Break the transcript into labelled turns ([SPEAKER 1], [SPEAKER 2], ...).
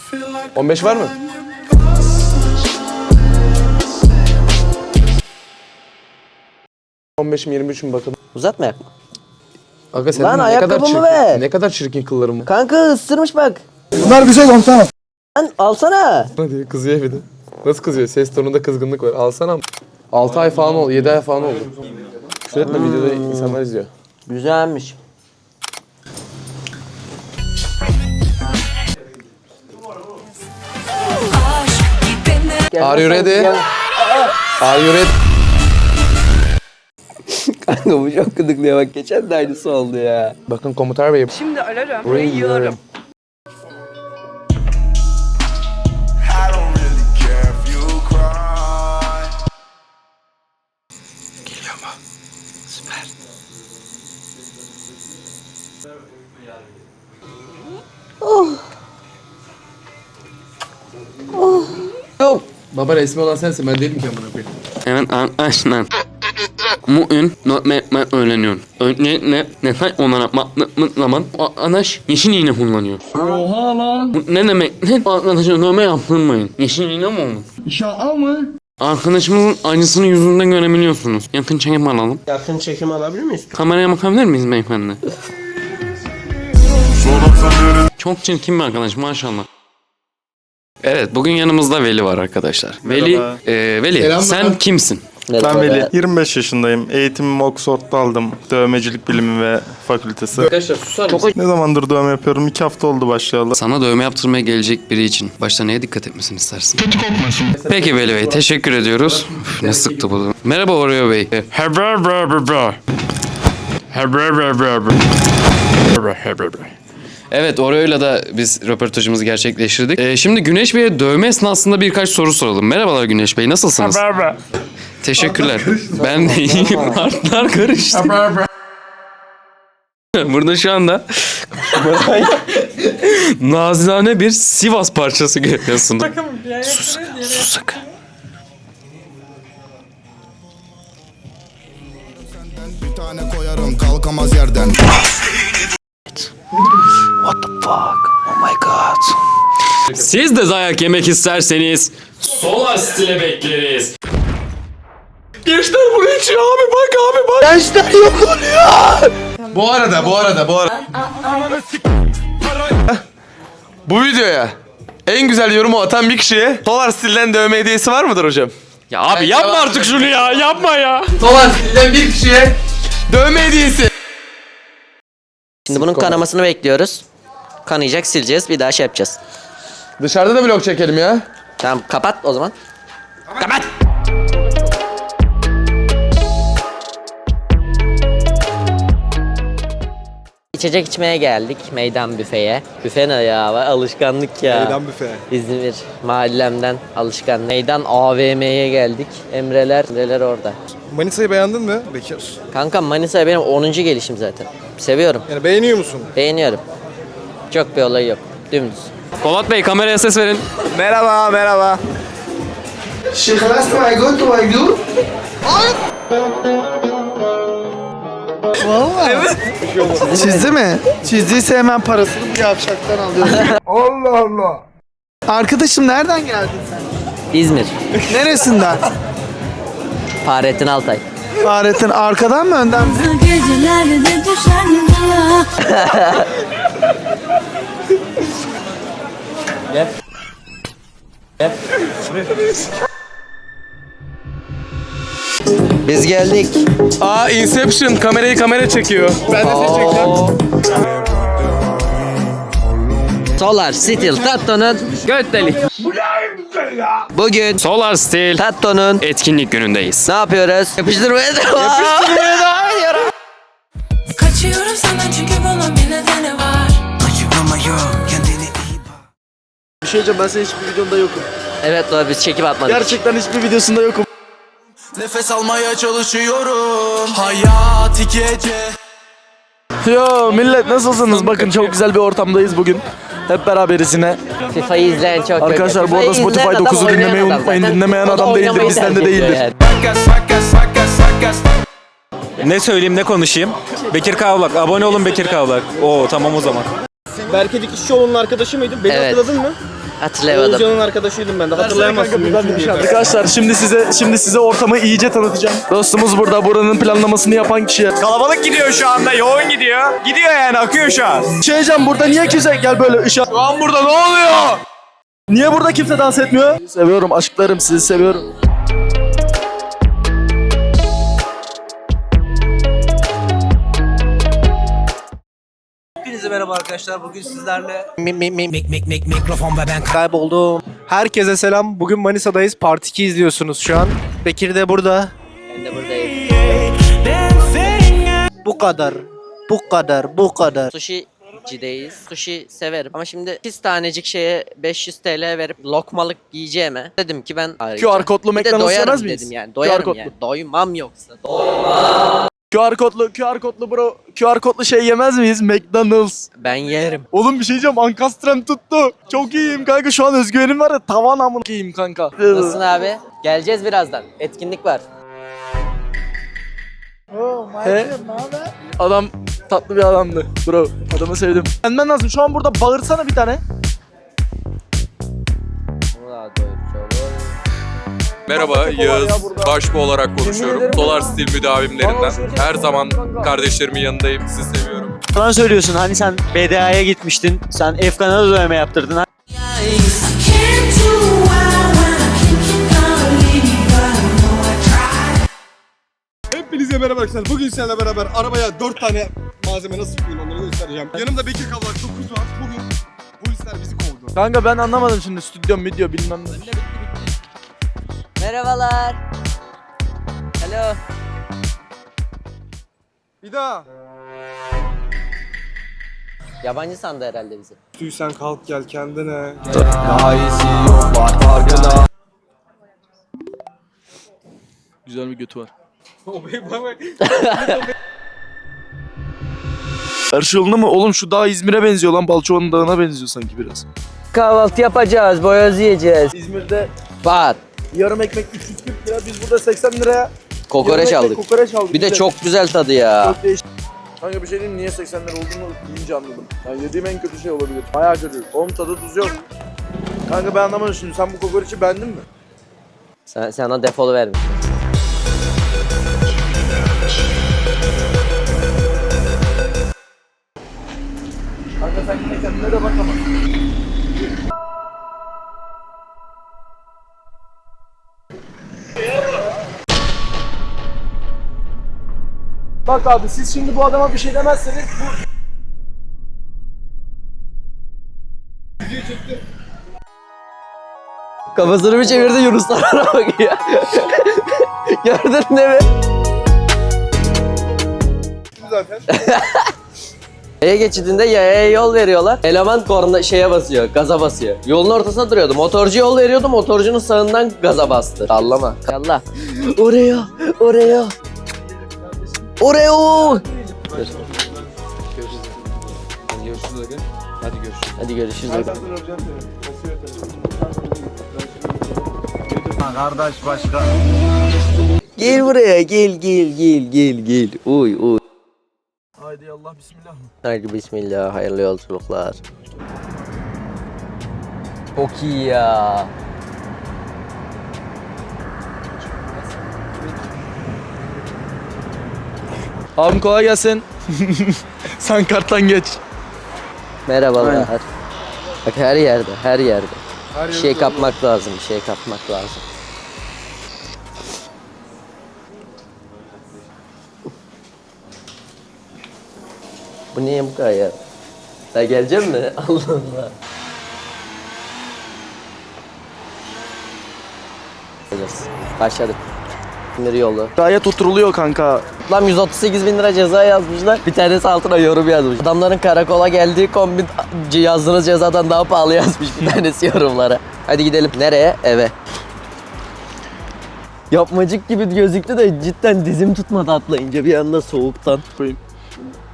[SPEAKER 1] 15 var mı? ...15'im 23'üm bakalım.
[SPEAKER 2] Uzatmayak mı?
[SPEAKER 1] Aga senin
[SPEAKER 2] Lan
[SPEAKER 1] ne kadar
[SPEAKER 2] ayakkabımı
[SPEAKER 1] çirkin,
[SPEAKER 2] ver.
[SPEAKER 1] ne kadar çirkin kıllarım.
[SPEAKER 2] Kanka ısırmış bak.
[SPEAKER 3] Bunlar bir şey komutanım.
[SPEAKER 2] Lan alsana.
[SPEAKER 1] Hadi kızıyor bir de. Nasıl kızıyor? Ses tonunda kızgınlık var. Alsana. 6 ay falan oldu, 7 ay falan oldu. Küfür etme, videoda insanlar izliyor.
[SPEAKER 2] Güzelmiş.
[SPEAKER 1] Are you ready? Are you ready?
[SPEAKER 2] Kanka bu çok gıdıklıyor bak, geçen de aynısı oldu ya.
[SPEAKER 1] Bakın komutar bey.
[SPEAKER 4] Şimdi ararım. Burayı yiyorum.
[SPEAKER 2] Yok.
[SPEAKER 1] Baba resmi olan sensin, ben değilim ki amına koyayım.
[SPEAKER 5] Evet arkadaşlar. Bugün notmap'ı öğreniyorum. Öncelikle nefes olarak baktığımız zaman arkadaş yeşil iğne kullanıyor. Oha lan. Bu ne demek? Ne arkadaşa dövme yaptırmayın. Yeşil iğne mi olur? İnşallah mı? Arkadaşımızın acısını yüzünden görebiliyorsunuz. Yakın çekim alalım.
[SPEAKER 2] Yakın çekim alabilir miyiz?
[SPEAKER 5] Kameraya bakabilir miyiz beyefendi? Çok çirkin bir arkadaş maşallah. Evet, bugün yanımızda Veli var arkadaşlar.
[SPEAKER 6] Merhaba.
[SPEAKER 5] Veli
[SPEAKER 1] Selam
[SPEAKER 5] sen
[SPEAKER 1] baba.
[SPEAKER 5] kimsin?
[SPEAKER 6] Ben Veli. 25 yaşındayım. Eğitimimi Oxford'da aldım. Dövmecilik bilimi ve fakültesi.
[SPEAKER 1] Arkadaşlar susar mısın?
[SPEAKER 6] Ne zamandır dövme yapıyorum? 2 hafta oldu başlayalı.
[SPEAKER 5] Sana dövme yaptırmaya gelecek biri için başta neye dikkat etmesini istersin? Kötü kokmasın. Peki Veli Bey, teşekkür ediyoruz. Üf, ne sıktı bu. Merhaba Oreo Bey. Evet, Oreo'yla da biz röportajımızı gerçekleştirdik. Şimdi Güneş Bey'e dövme esnasında birkaç soru soralım. Merhabalar Güneş Bey, nasılsınız? Teşekkürler. Ben de iyiyim. Artlar karıştı. Burada şu anda nazilane bir Sivas parçası görüyorsun. Sus sakın.
[SPEAKER 7] Bir tane koyarım kalkamaz yerden.
[SPEAKER 5] What the fuck? Oh my god. Siz de dayak yemek isterseniz Solar Stil'e bekleriz. Gençler buraya içiyor abi, bak.
[SPEAKER 2] Gençler yok oluyor.
[SPEAKER 1] Bu arada. Bu videoya en güzel yorumu atan bir kişiye Solar Stil'den dövme hediyesi var mıdır hocam?
[SPEAKER 5] Ya abi yapma artık şunu ya, yapma ya.
[SPEAKER 1] Solar Stil'den bir kişiye dövme hediyesi.
[SPEAKER 2] Şimdi bunun kanamasını bekliyoruz. Kanayacak, sileceğiz, bir daha şey yapacağız.
[SPEAKER 1] Dışarıda da vlog çekelim ya.
[SPEAKER 2] Tamam, kapat o zaman. Kapat. İçecek içmeye geldik meydan büfeye. Büfe ne ya? Alışkanlık ya.
[SPEAKER 3] Meydan büfe.
[SPEAKER 2] İzmir mahallemden alışkan. Meydan AVM'ye geldik. Emreler orada.
[SPEAKER 3] Manisa'yı beğendin mi Bekir?
[SPEAKER 2] Kanka Manisa'ya benim 10. gelişim zaten. Seviyorum.
[SPEAKER 3] Yani beğeniyor musun?
[SPEAKER 2] Beğeniyorum. Çok bir olay yok. Dümdüz.
[SPEAKER 5] Polat Bey kameraya ses verin.
[SPEAKER 3] Merhaba.
[SPEAKER 8] Çizdi mi? Çizdiyse hemen parasını bu yavşaktan alıyorsun. Allah Allah. Arkadaşım nereden geldin sen?
[SPEAKER 2] İzmir.
[SPEAKER 8] Neresinden?
[SPEAKER 2] Fahrettin Altay.
[SPEAKER 8] Fahrettin arkadan mı önden mi?
[SPEAKER 9] Gecelerde düşer ya.
[SPEAKER 2] Biz geldik.
[SPEAKER 1] Aa Inception, kamera çekiyor. Ben de seni çekeceğim.
[SPEAKER 2] Solar Stil Tatto'nun
[SPEAKER 5] Göt delik.
[SPEAKER 2] bugün
[SPEAKER 5] Solar Stil
[SPEAKER 2] Tatto'nun
[SPEAKER 5] etkinlik günündeyiz.
[SPEAKER 2] ne yapıyoruz? Yapıştırmaya devam.
[SPEAKER 9] Kaçıyorum senden çünkü bunun bir nedeni var.
[SPEAKER 8] Bir şey diyeceğim, ben senin hiçbir videonda yokum.
[SPEAKER 2] Evet doğru, biz çekip atmadık.
[SPEAKER 8] Gerçekten hiçbir videosunda yokum.
[SPEAKER 7] Nefes almaya çalışıyorum. Hayat iki gece.
[SPEAKER 8] Yo millet, nasılsınız? Bakın çok güzel bir ortamdayız bugün. Hep beraberiz yine.
[SPEAKER 2] FIFA'yı izleyen çok
[SPEAKER 8] Arkadaşlar
[SPEAKER 2] yok.
[SPEAKER 8] bu arada
[SPEAKER 2] FIFA'yı
[SPEAKER 8] Spotify
[SPEAKER 2] izleyen
[SPEAKER 8] 9'u
[SPEAKER 2] adam
[SPEAKER 8] dinlemeyi
[SPEAKER 2] oynayan
[SPEAKER 8] unutmayın.
[SPEAKER 2] adam.
[SPEAKER 8] Dinlemeyen
[SPEAKER 2] O da
[SPEAKER 8] adam değildir,
[SPEAKER 2] oynamayı
[SPEAKER 8] bizden de
[SPEAKER 2] tercih ediyor
[SPEAKER 8] değildir.
[SPEAKER 10] Ne söyleyeyim, ne konuşayım? Bekir Kavlak. Abone olun Bekir Kavlak. Oo tamam o zaman.
[SPEAKER 3] Berke Dikişçioğlu'nun arkadaşı mıydın? Beni
[SPEAKER 2] Evet.
[SPEAKER 3] hatırladın mı?
[SPEAKER 2] Hatırlayamadım.
[SPEAKER 3] Oğuzcan'ın arkadaşıydım ben de. Hatırlayamazsın.
[SPEAKER 6] Arkadaşlar şimdi size ortamı iyice tanıtacağım. Dostumuz burada, buranın planlamasını yapan kişi.
[SPEAKER 3] Kalabalık gidiyor şu anda. Yoğun gidiyor. Gidiyor yani. Akıyor şu an.
[SPEAKER 6] Şey diyeceğim, burada niye kimse gel böyle ışık. Şu an burada ne oluyor? Niye burada kimse dans etmiyor? Seviyorum aşklarım, sizi seviyorum.
[SPEAKER 4] Hepinize merhaba arkadaşlar. Bugün sizlerle
[SPEAKER 3] Mikrofon ve ben kayboldum. Herkese selam. Bugün Manisa'dayız. Part 2 izliyorsunuz şu an. Bekir de burada.
[SPEAKER 2] Ben de buradayım.
[SPEAKER 3] Bu kadar. Bu kadar.
[SPEAKER 2] Sushi'cideyiz. Sushi severim ama şimdi 2 tanecik şeye 500 TL verip lokmalık yiyeceğime dedim ki ben
[SPEAKER 6] QR kodlu
[SPEAKER 2] bir de
[SPEAKER 6] McDonald's
[SPEAKER 2] doyarım
[SPEAKER 6] yemez miyiz?
[SPEAKER 2] dedim yani. Doyarım
[SPEAKER 6] kodlu.
[SPEAKER 2] yani. Doymam yoksa.
[SPEAKER 6] QR kodlu bro. QR kodlu şey yemez miyiz? McDonald's.
[SPEAKER 2] Ben yerim.
[SPEAKER 6] Oğlum bir şey diyeceğim, ankastrem tuttu. Çok iyiyim kanka, şu an özgüvenim var ya, tavan amına iyiyim kanka.
[SPEAKER 2] Nasılsın abi? Geleceğiz birazdan. Etkinlik var.
[SPEAKER 6] He? Adam tatlı bir adamdı bro. Adamı sevdim. Benden lazım, şu an burada bağırsana bir tane.
[SPEAKER 10] Merhaba, Yağız. Başbu olarak konuşuyorum. Solar Stil müdavimlerinden. Her zaman kardeşlerimin yanındayım. Sizi seviyorum.
[SPEAKER 4] falan söylüyorsun. Hani sen BDA'ya gitmiştin. Sen Efkan'a da dövme yaptırdın.
[SPEAKER 9] I can't do well when I can't leave you, but I know I tried.
[SPEAKER 3] Hepinize merhaba arkadaşlar. Bugün seninle beraber arabaya 4 tane malzeme nasıl koyayım onları göstereceğim. Yanımda Bekir Kavlak 9 var. Bugün polisler bizi kovdu.
[SPEAKER 6] Kanka ben anlamadım şimdi, stüdyo video bilmem ne.
[SPEAKER 2] Merhabalar. Alo.
[SPEAKER 3] Bir daha.
[SPEAKER 2] Yabancı sandı herhalde bizi.
[SPEAKER 3] Tüy sen kalk gel kendine.
[SPEAKER 6] Güzel bir götü var. Her şey yolunda mı? Oğlum şu dağ İzmir'e benziyor lan. Balçova'nın dağına benziyor sanki biraz.
[SPEAKER 2] Kahvaltı yapacağız, boyoz yiyeceğiz.
[SPEAKER 6] İzmir'de
[SPEAKER 2] Var.
[SPEAKER 6] yarım ekmek 340 lira. Biz burada 80 liraya
[SPEAKER 2] Kokoreç
[SPEAKER 6] yarım ekmek
[SPEAKER 2] aldık.
[SPEAKER 6] kokoreç aldık.
[SPEAKER 2] Bir de çok güzel tadı ya.
[SPEAKER 6] Çok değişik. Kanka bir şey diyeyim, niye 80 lira olduğunu deyince anladım. Yani yediğim en kötü şey olabilir. Bayağı kötü. Oğlum tadı tuz yok. Kanka ben anlamadım şimdi. Sen bu kokoreçi beğendin mi?
[SPEAKER 2] Sana defolu vermiş.
[SPEAKER 6] Kanka sen yine kendine de bak ama. Bak abi, siz şimdi bu adama bir şey demezseniz bu...
[SPEAKER 2] Kafasını bir çevirdi, Yunuslara bakıyor. Gördün değil mi?
[SPEAKER 3] Zaten.
[SPEAKER 2] Yaya geçidinde yayaya yol veriyorlar. Eleman korna şeye basıyor, gaza basıyor. Yolun ortasında duruyordu. Motorcu yol veriyordu, motorcunun sağından gaza bastı. Sallama. Yallah. Oraya. Oraya. Hadi görüşürüz.
[SPEAKER 3] Kardeş başka.
[SPEAKER 2] Gel buraya, gel. Uy.
[SPEAKER 6] Haydi Allah bismillah.
[SPEAKER 2] Haydi bismillah, hayırlı yolculuklar. Çok iyi ya.
[SPEAKER 6] Abim kolay gelsin. Sen karttan geç.
[SPEAKER 2] Merhabalar.
[SPEAKER 6] Aynen.
[SPEAKER 2] Bak her yerde. Bir şey kapmak lazım, Bu niye bu kadar ya? Sen gelecek mi? Allah Allah. Başladık. Sinir yolu.
[SPEAKER 6] Gayet oturuluyor kanka.
[SPEAKER 2] Lan 138 bin lira ceza yazmışlar. Bir tanesi altına yorum yazmış. Adamların karakola geldiği kombin yazdığınız cezadan daha pahalı yazmış bir tanesi yorumlara. Hadi gidelim. Nereye? Eve. Yapmacık gibi gözüktü de cidden dizim tutmadı atlayınca bir anda soğuktan.
[SPEAKER 6] Koyayım.